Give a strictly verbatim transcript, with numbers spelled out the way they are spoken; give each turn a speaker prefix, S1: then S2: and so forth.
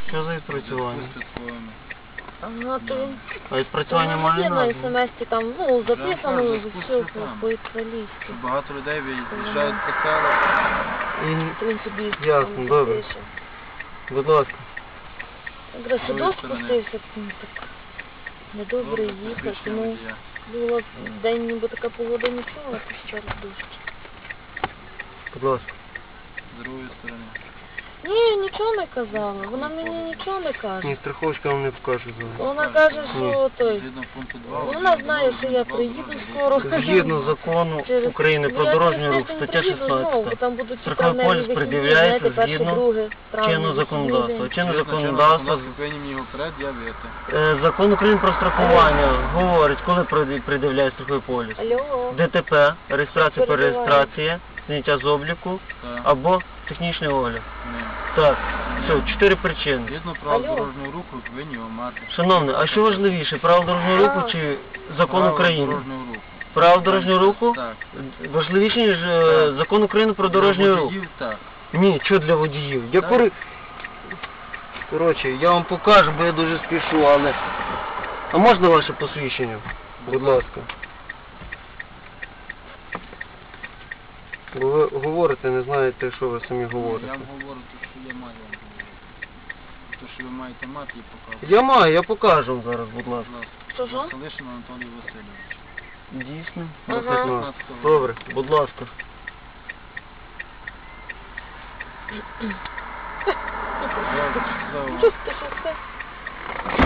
S1: Що за відпрацювання?
S2: Ага, то...
S1: А відпрацювання
S2: Там
S1: має
S2: є на
S1: назву?
S2: смс-ті там, ну, записано
S3: Вже
S2: все
S3: спуститься там.
S2: по-італійськи.
S3: Багато людей виїжджають по селу.
S1: І...
S2: Він собі
S1: Ясно,
S2: там
S1: добре.
S2: запише.
S1: Будь ласка.
S2: Якраз
S3: З другої
S2: дощ
S3: сторони.
S2: спустився, ну, так недобре
S3: Добре,
S2: їхати,
S3: посвідчення
S2: ну,
S3: водія.
S2: було день, ніби така погода нічого, а то ще раз дощ.
S1: Будь ласка.
S3: З другої сторони.
S2: Ні, нічого не казала, вона мені нічого не каже.
S1: Ні, страховочка вам не покаже зараз.
S2: Вона каже, що той,
S3: Згідно пункту два.
S2: вона знає, що я приїду скоро.
S1: Згідно закону
S2: Через-
S1: України про
S2: Ну, я
S1: дорожній
S2: через
S1: рух,
S2: тиждень
S1: стаття
S2: приїду знову, бо
S1: шістнадцята.
S2: там будуть
S1: Страховий
S2: тепер
S1: поліс
S2: вихідні,
S1: пред'являється
S2: знаєте, перше,
S1: згідно
S2: друге травня,
S1: чинного
S2: вихідні
S1: законодавства.
S2: день.
S1: Чинне
S3: Згідно
S1: законодавство,
S3: законодавства повинні мені його пред'явити.
S1: е, закон України про страхування говорить, коли пред- пред'являє страховий поліс.
S2: Алло.
S1: ДТП, реєстрація,
S2: Перебиваю.
S1: перереєстрація, зняття з обліку
S3: Так.
S1: або технічний огляд.
S3: Ні.
S1: Так, все, чотири причини.
S3: Згідно правил
S2: Алло.
S3: дорожнього руху повинні його мати.
S1: Шановний, а що важливіше, право дорожнього руху
S2: А.
S1: чи закон
S3: Правила
S1: України?
S3: дорожнього руху.
S1: Право дорожнього руху
S3: Так.
S1: важливіше, ніж е,
S3: Так.
S1: закон України про дорожній
S3: Для
S1: рух.
S3: водіїв так.
S1: Ні, що для водіїв? Я
S3: Так.
S1: кури... Коротше, я вам покажу, бо я дуже спішу, але... А можна ваше посвідчення? Будь ласка. Бо ви говорите, не знаєте, що ви самі
S3: Я
S1: говорите.
S3: вам говорю те, що я маю вам говорити. Те, що ви маєте мати, і показувати.
S1: Я маю, я покажу вам зараз, будь ласка.
S3: Будь ласка.
S2: Що, що?
S3: Василишин Анатолій Васильович.
S1: Дійсно?
S2: Ага.
S1: Написано. Добре, будь ласка.
S3: За- за-
S2: Чого ти, що це?